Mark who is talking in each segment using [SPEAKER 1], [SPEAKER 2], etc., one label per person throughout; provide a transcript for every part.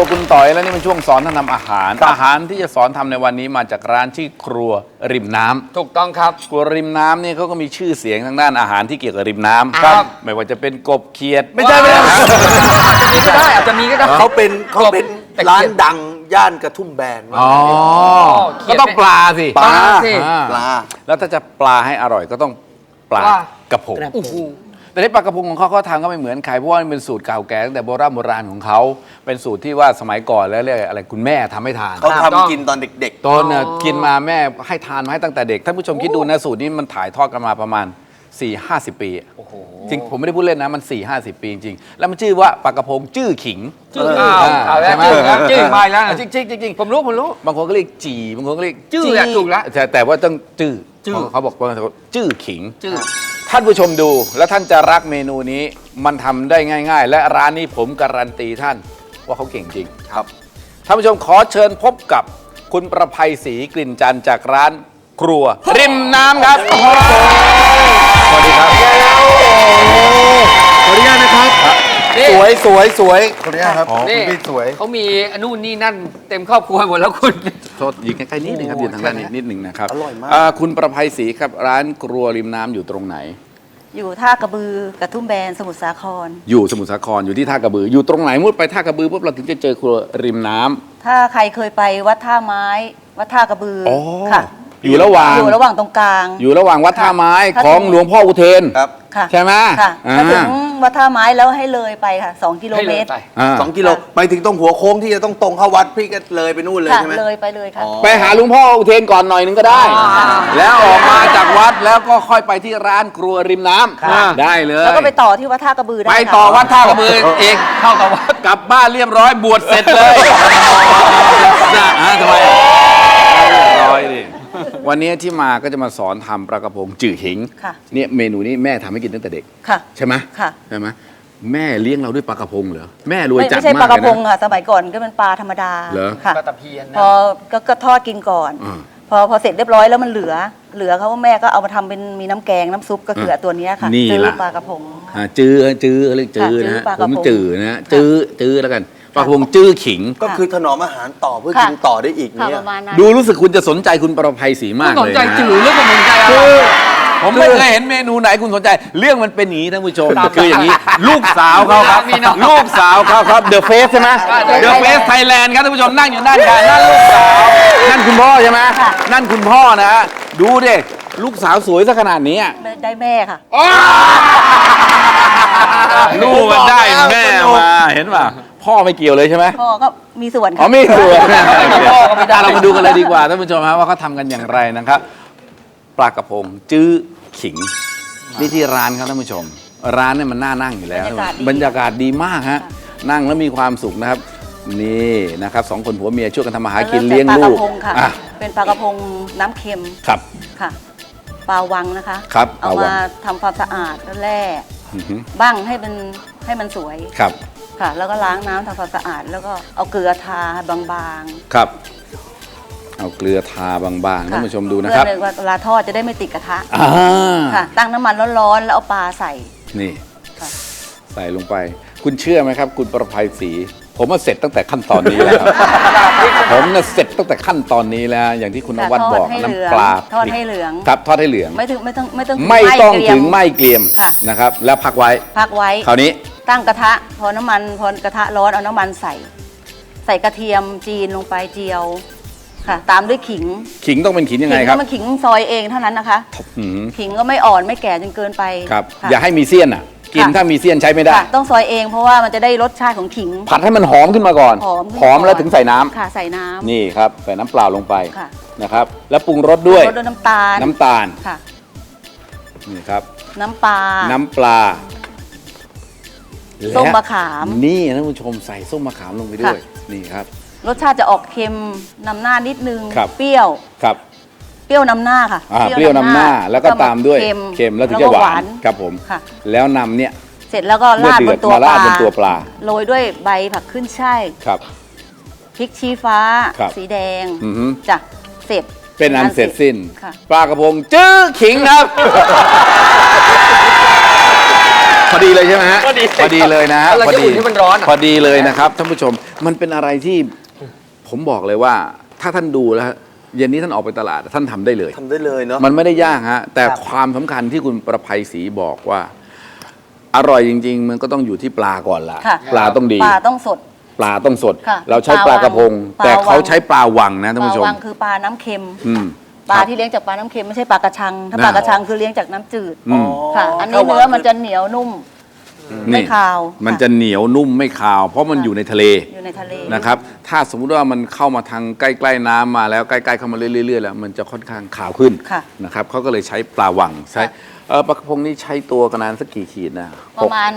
[SPEAKER 1] กับคุณต่อยแล้วนี่เป็นช่วงสอนทำอาหารอาหารที่จะสอนทำในวันนี้มาจากร้านชื่อครัวริมน้ำ
[SPEAKER 2] ถูกต้องครับ
[SPEAKER 1] ครัวริมน้ำนี่เขาก็มีชื่อเสียงทางด้านอาหารที่เกี่ยวกับริมน้ำ
[SPEAKER 2] ครับ
[SPEAKER 1] ไม่ว่าจะเป็นกบเขียด
[SPEAKER 3] ไม่ใช่
[SPEAKER 2] อาจจะมีก็ได้
[SPEAKER 3] เขาเป็นร้านดังย่านกระทุ่มแบน
[SPEAKER 1] อ๋อก็ต้องปลาสิ
[SPEAKER 3] ปลา
[SPEAKER 2] สิ
[SPEAKER 3] ปลา
[SPEAKER 1] แล้วถ้าจะปลาให้อร่อยก็ต้องปลากระพง
[SPEAKER 2] โอ้โห
[SPEAKER 1] แต่ในปลากระพงของเขาทำก็ไม่เหมือนใครเพราะว่ามันเป็นสูตรเก่าแก่ตั้งแต่โบราณของเขาเป็นสูตรที่ว่าสมัยก่อนแล้วเรียกอะไรคุณแม่ทำให้ทาน
[SPEAKER 3] เขาทำกินตอนเด็ก
[SPEAKER 1] ตอนเนี่ยกินมาแม่ให้ทานมาให้ตั้งแต่เด็กท่านผู้ชมคิดดูนะสูตรนี้มันถ่ายทอดกันมาประมาณ 4-50 ปีจริงผมไม่ได้พูดเล่นนะมัน 4-50 ปีจริงแล้วมันชื่อว่าปลากระพงจื้อขิง
[SPEAKER 2] จื้อเอาแล้ว
[SPEAKER 1] ใช่ไหม
[SPEAKER 2] จื้อมาแล้ว
[SPEAKER 1] จริงๆ
[SPEAKER 2] ผมรู้
[SPEAKER 1] บางคนก็เรียกจีบางคนก็เรียก
[SPEAKER 2] จื้ออะถูกแล้ว
[SPEAKER 1] แต่ว่าต้องจื้อ
[SPEAKER 2] จื้อ
[SPEAKER 1] เขาบอกว่าจื้อขิง
[SPEAKER 2] จื้อ
[SPEAKER 1] ท่านผู้ชมดูแล้วท่านจะรักเมนูนี้มันทำได้ง่ายๆ และร้านนี้ผมการันตีท่านว่าเขาเก่งจริง
[SPEAKER 3] ๆ ครับ
[SPEAKER 1] ท่านผู้ชมขอเชิญพบกับคุณประภัยศรีกลิ่นจันทร์จากร้านครัวริมน้ำครับสวัสดีครับ
[SPEAKER 3] ขออนุญาตนะครับ
[SPEAKER 2] นี่
[SPEAKER 3] สวยขออนุญาตครับ
[SPEAKER 2] นี่
[SPEAKER 3] คุณพี่สวย
[SPEAKER 2] เขามีนู่นนี่นั่นเต็มครอบครัวหมดแล้วคุณ
[SPEAKER 1] โทษยิงใกล้ๆนิดนึงครับยืนทางด้านนี้นิดหนึ่งนะครับ
[SPEAKER 3] อร่อยมาก
[SPEAKER 1] คุณประภัยศรีครับร้านครัวริมน้ำอยู่ตรงไหน
[SPEAKER 4] อยู่ท่ากระบือกระทุ่มแบนสมุทรสาคร
[SPEAKER 1] อยู่สมุทรสาครอยู่ที่ท่ากระบืออยู่ตรงไหนมุดไปท่ากระบือปุ๊บเราถึงจะเจอครัวริมน้ำ
[SPEAKER 4] ถ้าใครเคยไปวัดท่าไม้ วัดท่ากระบืออ
[SPEAKER 1] อ๋อ
[SPEAKER 4] ค่ะ
[SPEAKER 1] อยู่ระหว่าง
[SPEAKER 4] อยู่ระหว่างตรงกลาง
[SPEAKER 1] อยู่ระหว่างวัดท่าไม้
[SPEAKER 4] ค่ะ
[SPEAKER 1] ของหลวงพ่ออุเทน
[SPEAKER 3] ครับ
[SPEAKER 4] ค่ะ
[SPEAKER 1] ใช่ไหม
[SPEAKER 4] ค่ะ
[SPEAKER 1] อ่า
[SPEAKER 4] ถ้าถึงวัดท่าไม้แล้วให้เลยไปค่ะ2 กิโล
[SPEAKER 2] ให้
[SPEAKER 4] เม
[SPEAKER 2] เลย
[SPEAKER 4] ตร
[SPEAKER 2] ไป
[SPEAKER 3] 2 กิโลไปถึงตรงหัวโค้งที่จะต้องตรงเข้าวัดพี่ก็เลยไปนู่นเลย
[SPEAKER 4] ค่ะ
[SPEAKER 3] ใช่ไหม
[SPEAKER 4] เลยไปเลยค่ะ
[SPEAKER 3] อ๋อ
[SPEAKER 1] ไปหาหลวงพ่ออุเทนก่อนหน่อยนึงก็ได้ แล้วออกมาจากวัดแล้วก็ค่อยไปที่ร้านครัวริมน้ำได้เลย
[SPEAKER 4] แล้วก็ไปต่อที่วัดท่ากระบือได้
[SPEAKER 1] ไป
[SPEAKER 4] ค่ะ
[SPEAKER 1] ต่อวัดท่ากระบือเองเข้ากับวัดกลับบ้านเรียบร้อยบวชเสร็จเลยทำไมเรียบร้อยดิวันนี้ที่มาก็จะมาสอนทำปลากระพงจืดหิง
[SPEAKER 4] ค่ะ
[SPEAKER 1] เนี่ยเมนูนี้แม่ทำให้กินตั้งแต่เด็ก
[SPEAKER 4] ค่ะ
[SPEAKER 1] ใช่ไหม
[SPEAKER 4] ค่ะ
[SPEAKER 1] ใช่ไหมแม่เลี้ยงเราด้วยปลากระพงเหรอแม่รวยจัด
[SPEAKER 4] ไม่ใช่
[SPEAKER 1] มาก
[SPEAKER 4] ปลากระพง
[SPEAKER 1] เลยน
[SPEAKER 4] ค่ะ สมัยก่อนก็เป็นปลาธรรมดา
[SPEAKER 1] เหรอ
[SPEAKER 4] ค่ะ
[SPEAKER 2] ปลาตะเพียนนะ
[SPEAKER 4] พอก็ทอดกินก่อน
[SPEAKER 1] อ่า
[SPEAKER 4] พอเสร็จเรียบร้อยแล้วมันเหลือเขาว่าแม่ก็เอามาทำเป็นมีน้ำแกงน้ำซุปก็คือตัวเนี้ยค่ะ
[SPEAKER 1] นี่
[SPEAKER 4] จื้อ
[SPEAKER 1] ล่ะ
[SPEAKER 4] ปลากระพง
[SPEAKER 1] จื้อเรียกจื้อ
[SPEAKER 4] ค่ะ
[SPEAKER 1] นะฮะ
[SPEAKER 4] จื้อปลาก
[SPEAKER 1] ผ
[SPEAKER 4] ระ
[SPEAKER 1] ม
[SPEAKER 4] พง
[SPEAKER 1] จื้อนะฮะ
[SPEAKER 4] ค่ะ
[SPEAKER 1] จื้อแล้วกันปลากระพงจื้อขิง
[SPEAKER 3] ก็คือถนอมอาหารต่อเพื่อ
[SPEAKER 4] ค่ะ
[SPEAKER 3] กินต่อได้อีก
[SPEAKER 4] ค่ะ
[SPEAKER 3] เนี่
[SPEAKER 4] ป
[SPEAKER 3] ย
[SPEAKER 4] ระมาณนั้น
[SPEAKER 1] ดูรู้สึกคุณจะสนใจคุณประภัยศรีมาก
[SPEAKER 2] สน
[SPEAKER 1] เลย
[SPEAKER 2] ใจ
[SPEAKER 1] นะ
[SPEAKER 2] จืดหรือผมสนใจอะไร
[SPEAKER 1] ผมไม่เคยเห็นเมนูไหนคุณสนใจ เรื่องมันเป็นอย่างนี้ท่านผู้ชมคืออย่างนี้ ลูกสาวเขาครับ
[SPEAKER 2] มีน้อง
[SPEAKER 1] ลูกสาวเขาครับเดอะเฟสใช่ไหม เดอะเฟสไทยแลนด์ครับท่านผู้ชมนั่งอยู่ด้านข้างนั่นลูกสาวนั่นคุณพ่อใช่ไหม
[SPEAKER 4] ค่ะ
[SPEAKER 1] นั่นคุณพ่อนะฮะดูดิลูกสาวสวยซะขนาดนี้อะ
[SPEAKER 4] ได้แม่ค่ะ
[SPEAKER 1] ลูกมันได้แม่มาเห็นป่ะพ่อไม่เกี่ยวเลยใช่ไหม
[SPEAKER 4] พ่อก็มีส่วน
[SPEAKER 1] อ๋อ
[SPEAKER 4] ค่ะ
[SPEAKER 1] ไม่สวย
[SPEAKER 2] พ่อก็ไม่ได้
[SPEAKER 1] เรามาดูกันเลยดีกว่าท่านผู้ชมครับว่าเขาทำกันอย่างไรนะครับปลากระพงจื้อขิงนี่ที่ร้านครับท่านผู้ชม ร้านเนี่ยมันน่านั่งอยู่แล้วบรรยากาศดีมากฮะนั่งแล้วมีความสุขนะครับ นี่นะครับ2 คนผัวเมียช่วยกันทำมาหากินเลี้ยง
[SPEAKER 4] ปลา
[SPEAKER 1] ลู
[SPEAKER 4] ก
[SPEAKER 1] ก
[SPEAKER 4] ระพงค่ะ
[SPEAKER 1] อ่ะ
[SPEAKER 4] เป็นปลากระพงน้ำเค็ม
[SPEAKER 1] ครับ
[SPEAKER 4] ค่ะ ปลาวังนะคะ
[SPEAKER 1] ครับ
[SPEAKER 4] เอา
[SPEAKER 1] ปลาวัง
[SPEAKER 4] มาทำความสะอาดแล้วแล่
[SPEAKER 1] อือหือ
[SPEAKER 4] บ้างให้มันสวย
[SPEAKER 1] ครับ
[SPEAKER 4] ค่ะ แล้วก็ล้างน้ำทำความสะอาด แล้วก็เอาเกลือทาบาง
[SPEAKER 1] ครับ เอาเกลือทาบาง
[SPEAKER 4] ๆ
[SPEAKER 1] ๆท่านผู้ชมดูนะครับ
[SPEAKER 4] เพื่อเวลาทอดจะได้ไม่ติดกระทะ
[SPEAKER 1] อ่า
[SPEAKER 4] ค่ะ ตั้งน้ำมันร้อนๆแล้วเอาปลาใส่
[SPEAKER 1] นี่
[SPEAKER 4] ค่ะ
[SPEAKER 1] ใส่ลงไป คุณเชื่อไหมครับ คุณประภัยศรีผมว่าเสร็จตั้งแต่ขั้นตอนนี้แล้ว ผมน่ะเสร็จตั้งแต่ขั้นตอนนี้แล้ว อย่างที่คุณนวัดบอก
[SPEAKER 4] ทอดให้เหลือง
[SPEAKER 1] น้ำปลา
[SPEAKER 4] ทอดให้เหลือง
[SPEAKER 1] ครับทอดให้เหลือง
[SPEAKER 4] ไม่ต้อง
[SPEAKER 1] ไม่ต้อง
[SPEAKER 4] เกรีย
[SPEAKER 1] ถึงไหม้เกรียม
[SPEAKER 4] ค่ะ
[SPEAKER 1] นะครับ แล้วพักไว้
[SPEAKER 4] พักไว้
[SPEAKER 1] คราวนี้
[SPEAKER 4] ตั้งกระทะ พอกระทะร้อนเอาน้ำมันใส่กระเทียมจีนลงไปเจียวค่ะ ตามด้วยขิง
[SPEAKER 1] ขิงต้องเป็นขิงยังไง
[SPEAKER 4] ขิง
[SPEAKER 1] ครั
[SPEAKER 4] ก็
[SPEAKER 1] บ
[SPEAKER 4] มันขิงซอยเองเท่านั้นนะคะ
[SPEAKER 1] อืม
[SPEAKER 4] ขิงก็ไม่อ่อนไม่แก่จนเกินไป
[SPEAKER 1] ครับ
[SPEAKER 4] ค่ะ
[SPEAKER 1] อย่าให้มีเสี้ยนอ่ะ กิน
[SPEAKER 4] ค่ะ
[SPEAKER 1] ถ้ามีเสี้ยนใช้ไม่ได้
[SPEAKER 4] ค่ะต้องซอยเองเพราะว่ามันจะได้รสชาติของขิง
[SPEAKER 1] ผัดให้มันหอมขึ้นมาก่อน
[SPEAKER 4] หอมขึ้น
[SPEAKER 1] หอมแล้ว
[SPEAKER 4] ก่อน
[SPEAKER 1] ถึงใส่น้ำ
[SPEAKER 4] ค่ะใส่น้ำ
[SPEAKER 1] นี่ครับใส่น้ำเปล่าลงไป
[SPEAKER 4] ค่ะ
[SPEAKER 1] นะครับ แล้วปรุงรสด้วย
[SPEAKER 4] รสด้วยน้ำตาล
[SPEAKER 1] น้ำตาล
[SPEAKER 4] ค่ะ
[SPEAKER 1] นี่ครับ
[SPEAKER 4] น้ำปลา
[SPEAKER 1] น้ำปลา
[SPEAKER 4] ส้มมะขาม
[SPEAKER 1] นี่ท่านผู้ชมใส่ส้มมะขามลงไปด้วย นี่ครับ
[SPEAKER 4] รสชาติจะออกเค็มนำหน้านิดนึง
[SPEAKER 1] ครับ
[SPEAKER 4] เปรี้ยว
[SPEAKER 1] ครับ
[SPEAKER 4] เปรี้ยวนำหน้าค่ะ
[SPEAKER 1] เปรี้ยวนำหน้าแล้วก็ตามด้วยเค็มแล้วถึงจะหวานครับผม
[SPEAKER 4] ค่ะ
[SPEAKER 1] แล้วนำเนี่ย
[SPEAKER 4] เสร็จแล้วก็ราดบนตัว
[SPEAKER 1] มา
[SPEAKER 4] ป
[SPEAKER 1] รา
[SPEAKER 4] ลา
[SPEAKER 1] ดบนตัวปลา
[SPEAKER 4] โรยด้วยใบผักขึ้นช่าย
[SPEAKER 1] ครับ
[SPEAKER 4] พริกชี้ฟ้า
[SPEAKER 1] ครับ
[SPEAKER 4] สีแดง
[SPEAKER 1] อือฮึ
[SPEAKER 4] จ้ะเสร็จ
[SPEAKER 1] เป็นอันเสร็จสิ้น
[SPEAKER 4] ค่ะ
[SPEAKER 1] ปลากระพงจื้อขิงครับพอดีเลยใช่ไหมฮะ
[SPEAKER 2] พอดี
[SPEAKER 1] พอดีเลยนะฮะ
[SPEAKER 2] เราจะอุ่นให้มันร้อนอะ
[SPEAKER 1] พอดีเลยนะครับท่านผู้ชมมันเป็นอะไรที่ผมบอกเลยว่าถ้าท่านดูแล้วเย็นนี้ท่านออกไปตลาดท่านทำได้เลย
[SPEAKER 3] ทำได้เลยเนาะ
[SPEAKER 1] มันไม่ได้ยากฮะแต่ความสำคัญที่คุณประภัยศรีบอกว่า อร่อยจริง ๆ มันก็ต้องอยู่ที่ปลาก่อนละ
[SPEAKER 4] ค่ะ
[SPEAKER 1] ปลาต้องดี
[SPEAKER 4] ปลาต้องสด
[SPEAKER 1] ปลาต้องสด
[SPEAKER 4] ค่ะ
[SPEAKER 1] เราใช้ปลากระพง
[SPEAKER 4] ปลาวัง
[SPEAKER 1] แต่เขาใช้ปลาวังนะท่าน
[SPEAKER 4] ปลา
[SPEAKER 1] ผู้ชม
[SPEAKER 4] วังคือปลาน้ำเค็ม
[SPEAKER 1] อืม
[SPEAKER 4] ปลา
[SPEAKER 1] ครับ
[SPEAKER 4] ที่เลี้ยงจากปลาน้ำเค็มไม่ใช่ปลากระชัง ถ้า
[SPEAKER 1] น่ะ
[SPEAKER 4] ปลากระชังคือเลี้ยงจากน้ำจืด
[SPEAKER 1] อืม
[SPEAKER 4] ค่ะ อันนี้เนื้อมันจะเหนียวนุ่ม ไม่คาว
[SPEAKER 1] มันจะเหนียวนุ่มไม่คาว เพราะมันอยู่ในทะเล
[SPEAKER 4] อยู่ในทะเล
[SPEAKER 1] นะครับถ้าสมมุติว่ามันเข้ามาทางใกล้ๆน้ำมาแล้วใกล้ๆเข้ามาเรื่อยๆแล้วมันจะค่อนข้างขาวขึ้น
[SPEAKER 4] ค่ะ
[SPEAKER 1] นะครับเขาก็เลยใช้ปลาวังใช้
[SPEAKER 4] ค่ะ
[SPEAKER 1] ปลากระพงนี่ใช้ตัวกันนานสักกี่ขีดนะ
[SPEAKER 4] ประมาณ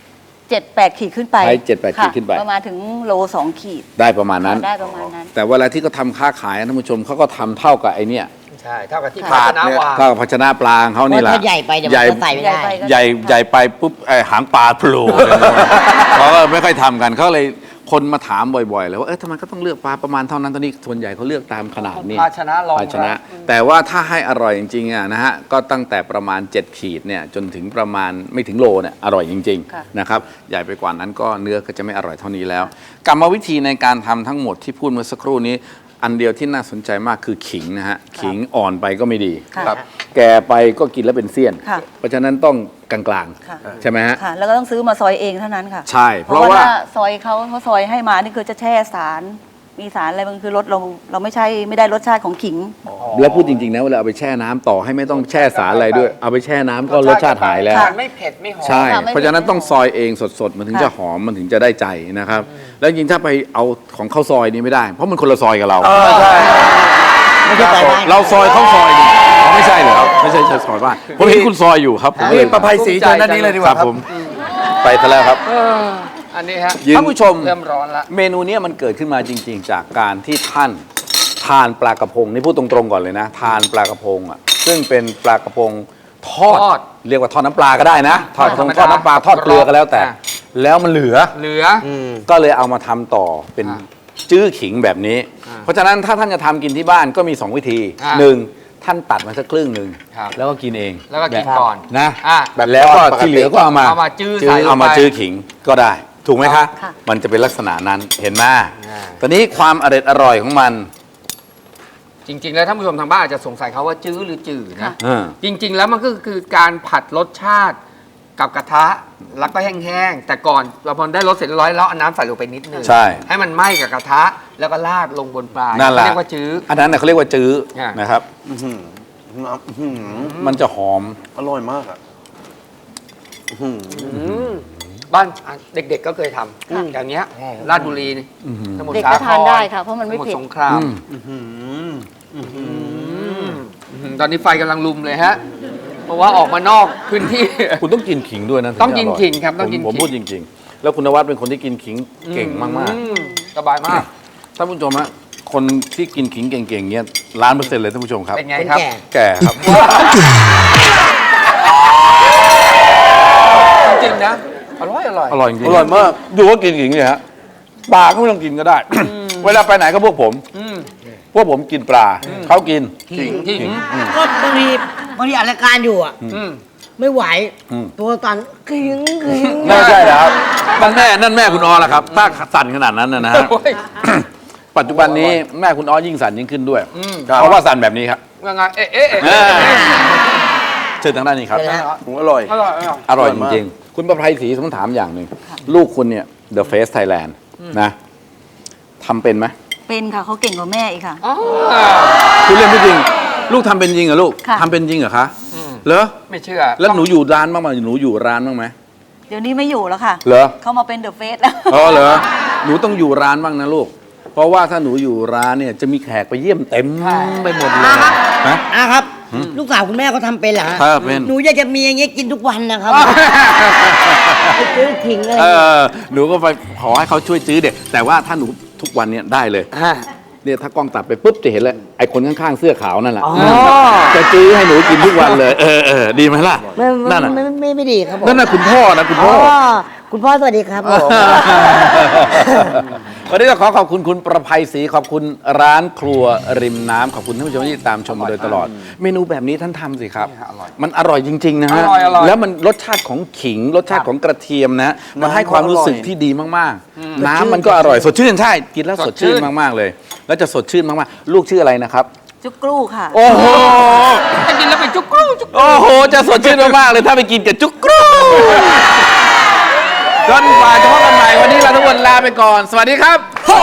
[SPEAKER 4] 7-8 ขีดขึ้นไป
[SPEAKER 1] ใช้7-8ขีดขึ้นไป
[SPEAKER 4] ค่ะประมาณถึงโล 2 ขีด
[SPEAKER 1] ได้ประมาณนั้น
[SPEAKER 4] ได้ประมาณนั้น
[SPEAKER 1] แต่เวลาที่เขาทำค้าขายนะท่านผู้ชมเขาก็ทำเท่ากับไอเนี่ย
[SPEAKER 2] ใช่เท่ากับที่
[SPEAKER 4] ค่ะ
[SPEAKER 2] ภาชนะวาง
[SPEAKER 1] เท่ากับภาชนะปลาของเขานี่แหละ
[SPEAKER 5] ถ้าใหญ่ไปเดี๋ยวมันก็ใส่ไม่ได้
[SPEAKER 4] ใหญ่ไปก็
[SPEAKER 1] ใหญ่ไปปุ๊บไอหางปลาโผล่เลยเขาก็ไม่ค่อยทำกันเขาเลยคนมาถามบ่อยๆเลยว่าทำไมก็ต้องเลือกปลาประมาณเท่านั้นตอนนี้ส่วนใหญ่เขาเลือกตามขนาดนี่
[SPEAKER 2] ภาชนะรองรับ
[SPEAKER 1] ภาชนะ แต่ว่าถ้าให้อร่อยจริงๆนะฮะก็ตั้งแต่ประมาณ7ขีดเนี่ยจนถึงประมาณไม่ถึงโลเนี่ยอร่อยจริง
[SPEAKER 4] ค่ะ
[SPEAKER 1] ๆนะครับใหญ่ไปกว่านั้นก็เนื้อก็จะไม่อร่อยเท่านี้แล้ว กรรมวิธีในการทำทั้งหมดที่พูดเมื่อสักครู่นี้ อันเดียวที่น่าสนใจมากคือขิงนะฮะขิงอ่อนไปก็ไม่ดี
[SPEAKER 4] ค่ะ
[SPEAKER 1] ครับแก่ไปก็กินแล้วเป็นเสี้ยน
[SPEAKER 4] ค่ะ
[SPEAKER 1] เพราะฉะนั้นต้องกลาง
[SPEAKER 4] ค่ะ
[SPEAKER 1] ๆใช่ไหมฮะ
[SPEAKER 4] ค่ะ แล้วก็ต้องซื้อมาซอยเองเท่านั้นค่ะ
[SPEAKER 1] ใช่
[SPEAKER 4] เพ
[SPEAKER 1] เพ
[SPEAKER 4] ราะ
[SPEAKER 1] ราะว่า
[SPEAKER 4] ว่าซอยเขาซอยให้มานี่คือจะแช่สาร มีสารอะไรบางคือรสเราไม่ได้รสชาติของขิง
[SPEAKER 1] แล้วพูดจริงๆนะเวลาเอาไปแช่น้ำต่อให้ไม่ต้องแช่สารอะไรด้วย เอาไปแช่น้ำก็รสชาติหายแล้ว
[SPEAKER 4] ค่ะ
[SPEAKER 2] ไม่เผ็ดไม่หอม
[SPEAKER 1] ใช่
[SPEAKER 4] ค่ะไม่
[SPEAKER 1] เพราะฉะนั้นต้องซอยเองสดๆ มันถึง
[SPEAKER 4] ค่ะ
[SPEAKER 1] จะหอม มันถึงจะได้ใจนะครับ แล้วจริงๆถ้าไปเอาของข้าวซอยนี่ไม่ได้ เพราะมันคนละซอยกับเรา
[SPEAKER 5] ไม่ใช่ซอยบ้าน
[SPEAKER 1] เราซอยเขาซอยนี่อ๋อไม่ใช่เหรอครับไม่ใช่ซอยบ้านผมเห็นคุณซอยอยู่ครับผม
[SPEAKER 3] นี่ประภัยศรีเจอด้านนี้เลยดีก
[SPEAKER 1] ครั
[SPEAKER 3] ว่า
[SPEAKER 1] บ
[SPEAKER 3] ครับ
[SPEAKER 1] ผม ไปซะแล้วครับ
[SPEAKER 2] อันนี้ฮะ
[SPEAKER 1] ท่านผู้ชม
[SPEAKER 2] เริ่มร้อนละ
[SPEAKER 1] เมนูเนี้ยมันเกิดขึ้นมาจริง ๆ จากการที่ท่านทานปลากระพงนี่พูดตรงๆก่อนเลยนะ ทานปลากระพงอ่ะซึ่งเป็นปลากระพงทอด
[SPEAKER 2] ทอด
[SPEAKER 1] เรียกว่าทอดน้ำปลาก็ได้นะทอดกระพง
[SPEAKER 2] ธรรมดา
[SPEAKER 1] ทอดน้ำปลาทอดเกลือก็แล้วแต่
[SPEAKER 2] อ่ะ
[SPEAKER 1] แล้วมันเหลือ
[SPEAKER 2] เหลือ
[SPEAKER 1] ก็เลยเอามาทำต่อเป็น
[SPEAKER 2] อ่า
[SPEAKER 1] จื้อขิงแบบนี้
[SPEAKER 2] อ่า
[SPEAKER 1] เพราะฉะนั้นถ้าท่านจะทำกินที่บ้านก็มี 2 วิธี
[SPEAKER 2] อ่า
[SPEAKER 1] หนึ่งท่านตัดมาสักครึ่งหนึ่ง
[SPEAKER 2] ครับ
[SPEAKER 1] แล้วก็กินเอง
[SPEAKER 2] แล้วก็กินก่อน
[SPEAKER 1] นะ
[SPEAKER 2] อ่ะ
[SPEAKER 1] แบบแล้วก็ที่เหลือก็เอามา
[SPEAKER 2] เอามาจื้อใส่ลงไป
[SPEAKER 1] เอามาจื้อขิงก็ได้ ถูกไหมคะ
[SPEAKER 4] ค่ะ
[SPEAKER 1] มันจะเป็นลักษณะนั้นเห็นไหม
[SPEAKER 2] อ่า
[SPEAKER 1] ตอนนี้ความอร่อยของมัน
[SPEAKER 2] จริง ๆ แล้วท่านผู้ชมทางบ้านอาจจะสงสัยเขาว่าจื้อหรือจืดนะ
[SPEAKER 1] เออ
[SPEAKER 2] จริง ๆ แล้วมันก็คือการผัดรสชาติกับกระทะแล้วก็แห้งๆแต่ก่อนเราพอได้รสเสร็จเรียบร้อยแล้วเอาน้ำใส่ลงไปนิดนึง
[SPEAKER 1] ใช่
[SPEAKER 2] ให้มันไหม้กับกระทะแล้วก็ราดลงบนปลา
[SPEAKER 1] นั่นแหละ
[SPEAKER 2] เรียกว่าจื้อ
[SPEAKER 1] อันนั้นน่ะเขาเรียกว่าจื้อ
[SPEAKER 2] อ่าน
[SPEAKER 1] นะครับ มันจะหอม
[SPEAKER 3] อร่อยมากอ่ะ
[SPEAKER 2] บ้านเด็กๆก็เคยทำอย่างเงี้ยราชบุรีนี่สมุทร
[SPEAKER 4] เด็ก
[SPEAKER 2] สา
[SPEAKER 4] ก็
[SPEAKER 2] ค
[SPEAKER 4] ทาน
[SPEAKER 2] ร
[SPEAKER 4] ได้ค่ะ เพราะมันไม่
[SPEAKER 2] สมุท
[SPEAKER 4] เผ็
[SPEAKER 2] ร
[SPEAKER 4] ด
[SPEAKER 2] สงครามตอนนี้ไฟกำลังลุมเลยฮะ เพราะว่าออกมานอกพื้นที่
[SPEAKER 1] คุณต้องกินขิงด้วยนะ
[SPEAKER 2] ต้องกิน
[SPEAKER 1] จะร่ย
[SPEAKER 2] ขิงครับต้องกิน
[SPEAKER 1] ผม
[SPEAKER 2] ขิง
[SPEAKER 1] พูดจริง ๆ แล้วคุณนวัดเป็นคนที่กินขิงเก่งมาก
[SPEAKER 2] อืสบายมาก
[SPEAKER 1] ๆท่านผู้ชมฮะคนที่กินขิงเก่งๆเงี้ย1,000,000%เลยท่านผู้ชมครับ
[SPEAKER 2] เป็นไง
[SPEAKER 5] คน
[SPEAKER 2] ครับ
[SPEAKER 5] แก่
[SPEAKER 1] แก่ครับ
[SPEAKER 2] จริงๆนะ อร่อย
[SPEAKER 1] อร่อยจริงๆ
[SPEAKER 3] อร่อยมาก
[SPEAKER 1] ดูว่ากินขิงเนี่ยฮะปลาก็ไม่ต้องกินก็ได้ เวลาไปไหนก็พวกผม พวกผมกินปลาเขากิน
[SPEAKER 2] ขิงขิง
[SPEAKER 5] ก็บางทีอัดรายการอยู่อ่ะ
[SPEAKER 2] อืม
[SPEAKER 5] ไม่ไหว
[SPEAKER 1] อืม
[SPEAKER 5] ตัวตันขิง
[SPEAKER 1] ไม่ใช่แล้วครับนั่นแม่คุณออแหละครับ ถ้าสั่นขนาดนั้นนะฮะ
[SPEAKER 2] โอ้ย
[SPEAKER 1] ปัจจุบันนี้แม่คุณออยิ่งสั่นยิ่งขึ้นด้วย
[SPEAKER 2] อืม
[SPEAKER 1] เพราะว่าสั่นแบบนี้ครับ
[SPEAKER 2] ยังไงเอ๊ะเอ๊ะเอ๊ะ
[SPEAKER 1] เชิญทางด้านนี้ครับ
[SPEAKER 3] อร่อย
[SPEAKER 2] อร่อย
[SPEAKER 1] อร่อยจริงๆ คุณประภัยศรีผมถามอย่างหนึ่งลูกคุณเนี่ย The Face Thailand นะทำเป็นไหม
[SPEAKER 4] เป็นค่ะเขาเก่งกว่าแม่อีกค่ะ
[SPEAKER 2] อ๋อ
[SPEAKER 1] คุณเล่นไม่จริง ลูกทำเป็นจริงเหรอลูก
[SPEAKER 4] ค่ะ
[SPEAKER 1] ทำเป็นจริงเหรอคะ
[SPEAKER 2] อืม
[SPEAKER 1] เหรอ
[SPEAKER 2] ไม่เชื่อ
[SPEAKER 1] แล้วหนูอยู่ร้านบ้างไหมหนูอยู่ร้านบ้างไหม
[SPEAKER 4] เดี๋ยวนี้ไม่อยู่แล้วค่ะ
[SPEAKER 1] เหรอ
[SPEAKER 4] เขามาเป็นเดอะเฟสแล้ว
[SPEAKER 1] อ๋อเหรอหนูต้องอยู่ร้านบ้างนะลูก เพราะว่าถ้าหนูอยู่ร้านเนี่ยจะมีแขกไปเยี่ยมเต็มไปหมดเลยนะ
[SPEAKER 5] ครับ ลูกสาวคุณแม่เขาทำเป็นเหรอฮะ
[SPEAKER 1] ครับเป็น
[SPEAKER 5] หนูอยากจะมีอย่างเงี้ยกินทุกวันนะครับไปซื้อขิงอะไร
[SPEAKER 1] หนูก็ไปขอให้เขาช่วยซื้อเด็กแต่ว่าถ้าหนูทุกวันเนี่ยได้เลย
[SPEAKER 5] อ่า
[SPEAKER 1] เนี่ยถ้ากล้องตัดไปปุ๊บจะเห็นเลยไอ้คนข้างๆเสื้อขาวนั่นแหละ
[SPEAKER 5] อ๋อ
[SPEAKER 1] จะซื้อให้หนูกินทุกวันเลย ดีไหมล่ะ
[SPEAKER 5] ไม่
[SPEAKER 1] นั่นน่ะ
[SPEAKER 5] ไม่ดีครับผม
[SPEAKER 1] นั่นน่ะคุณพ่อนะคุณพ่อ
[SPEAKER 5] คุณคุณพ่อสวัสดีครับผม
[SPEAKER 1] วันนี้ก็ขอขอบคุณคุณประภัยศรีขอบคุณร้านครัวริมน้ำขอบคุณท่านผู้ชมที่ติดตามชมมาโดยตลอด เมนูแบบนี้ท่านทำสิครับ มันอร่อยจริงๆนะฮะ
[SPEAKER 2] อร่อย
[SPEAKER 1] แล้วมันรสชาติของขิงรสชาติของกระเทียมนะมันให้ความรู้สึกที่ดีมากๆ น้ำมันก็อร่อยสดชื่นใช่กินแล้วสดชื่นมากๆเลย แล้วจะสดชื่นมากๆลูกชื่ออะไรนะครับ
[SPEAKER 4] จุกกรูค่ะ
[SPEAKER 1] โอ้โห
[SPEAKER 2] จะกินแล้วเป็นจุกกู้จุก
[SPEAKER 1] โอ้โห จะสดชื่นมากๆเลยถ้าไปกินกับจุกกรูจนกว่าจะพบกันใหม่วันนี้เราทุกคนลาไปก่อน สวัสดีครับ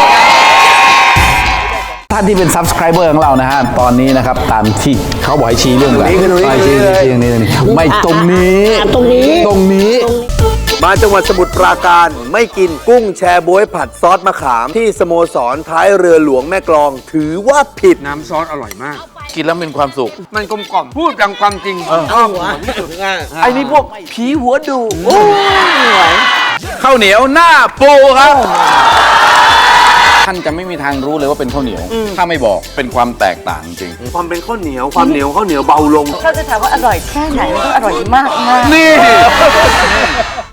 [SPEAKER 1] ท่านที่เป็น subscriber ของเรานะฮะ ตอนนี้นะครับ ตามที่เขาบอกให้ชี้เรื่องอะไร
[SPEAKER 3] ตรงนี้
[SPEAKER 1] ชี้นี่ไม่ตรงนี้
[SPEAKER 5] ตรงนี้
[SPEAKER 1] ตรงนี้
[SPEAKER 3] มาจังหวัดสมุทรปราการไม่กินกุ้งแชบ๊วยผัดซอสมะขาม ที่สโมสรท้ายเรือหลวงแม่กลอง ถือว่าผิด
[SPEAKER 2] น้ำซอสอร่อยมาก
[SPEAKER 1] กินแล้วเป็นความสุข
[SPEAKER 2] มันกลมกล่อมพูดตามความจริงชอบที่สุด
[SPEAKER 3] ไอ้นี่พวกผีหัวดู
[SPEAKER 1] ข้าวเหนียวหน้าปูครับ ท่านจะไม่มีทางรู้เลยว่าเป็นข้าวเหนียว ถ้าไม่บอกเป็นความแตกต่างจริง
[SPEAKER 3] ความเป็นข้าวเหนียวข้าวเหนียวเบาลง
[SPEAKER 4] เราจะถามว่าอร่อยแค่ไหนมันต้องอร่อยมากๆ
[SPEAKER 1] นี่